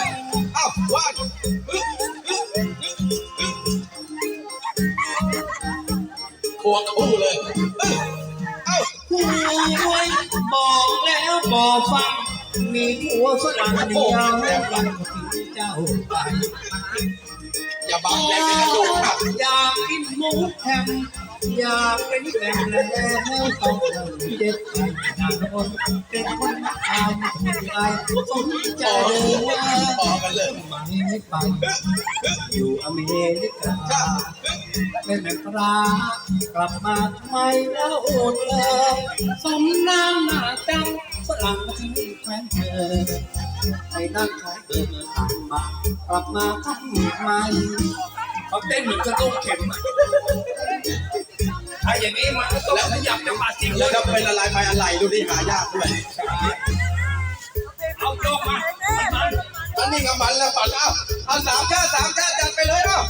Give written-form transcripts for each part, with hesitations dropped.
เอ้าวันควงคู่เลยเอ้าผู้บอกแล้วบอกฟังมีหัวฝรั่งเดียวยังเจ้าไปอย่าบังแรงในกระดูกครับอยากกินหมูแฮมอยากเป็นแฟนแล้วต้องเจ็บใจนานเป็นคนทำใจสนใจว่าพอกันเลยไม่ไปอยู่อเมริกาเป็นแม่ปลากลับมาทำไมแล้วอดเลยสมน้ำหน้าจังฝรั่งที่แฟนเธอให้นั่งขายเดินทางมากลับมาทำไมเขาเต้นเหมือนกระตุ้งเข็มไอ้อย่างนี้มันก็ต้องขยับจังหวะจริงเลแล้วยก็เป็นละลายไปอะไรดูที่หายากด้วยเอาโยกมามันอันนี้ก็มันแล้วปัดเอาสามชาติจัดไปเลยเนาะ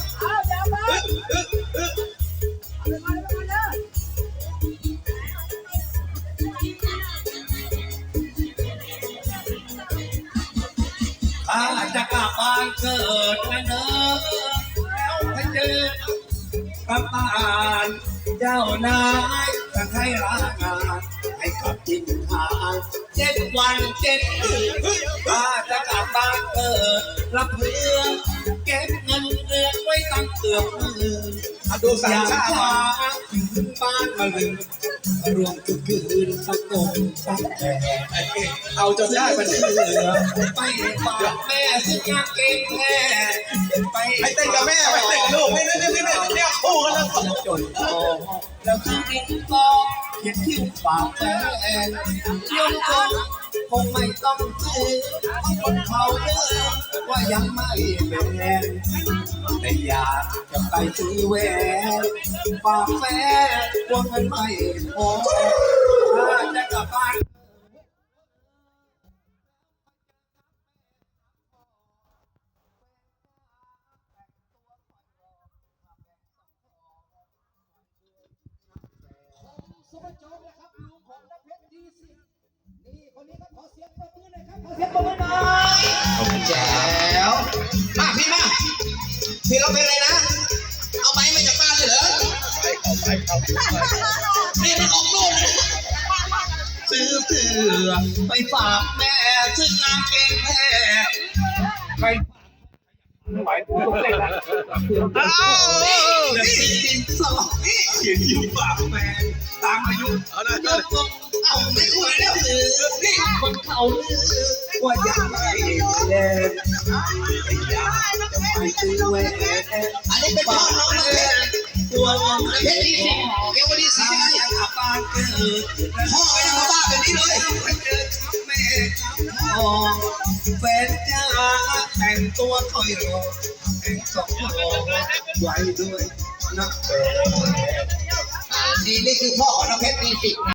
ถ้าจะกลับบ้านเกิดนะเนอะแล้วไปเจอกับบ้านเจ้านายจะให้ลางานให้กลับทิ้งทาง7 วัน 7 คืนถ้าจะกลับบ้านเกิดรับเรื่องเก็บเงินเดือนไว้ตั้งเกือบหมื่นดูสาอมย่างชาติช้าถึงบ้านมาลืมรวมทุกคืนสักตงสักแก่เอาจนได้มันเหลือไปฝากแม่ซื้อกางเกงแม่ไปให้เต้นกับแม่ไปเต้นกับลูกนี่เนี่ยคู่กันแล้วจนโตแล้วคือดินก็เขียนคิ้วฝากแฟนยงคงคงไม่ต้องซื้อคนเขาเลือกว่ายังไม่เป็นแนแต่อยากจะไปซื้อแหวนฝากแฟนกลัวเงินไม่พอถ้าจะกลับบ้านสุภโจมนะครับลุงของนักเพชรดีสินี่คนนี้ก็ขอเสียงปรบมือหน่อยครับขอเสียงปรบมือหน่อยแจ๋วมาพี่ร้องเพลงอะไรนะเอาไม้มาจากบ้านเลยเหรอนี่มันออกนู่นซื้อเสื้อไปฝากแม่ซื้อกางเกงแม่ไปไม่ไหวต้องเต้นแล้วนี่ดินสอนี่เขียนคิ้วฝากแม่ตามอายุยกลงเอาไม่คุยแล้วหรือนี่คนเขาลือว่ายังไม่เล่นอยากจะไปซื้อแหวนอันนี้เป็นพ่อน้องนะเพชรตัวเงินเพชรดีสิเกี่ยวกับดีสิถ้าอยากบ้านเกิดพ่อไม่ได้มาบ้าแบบนี้เลยไปเจอครับแม่ครับพ่อแฟนจ้าแต่งตัวถอยรอแต่งสองรอไว้ด้วยนักแฟนนี่คือพ่อของน้องเพชรดีสิ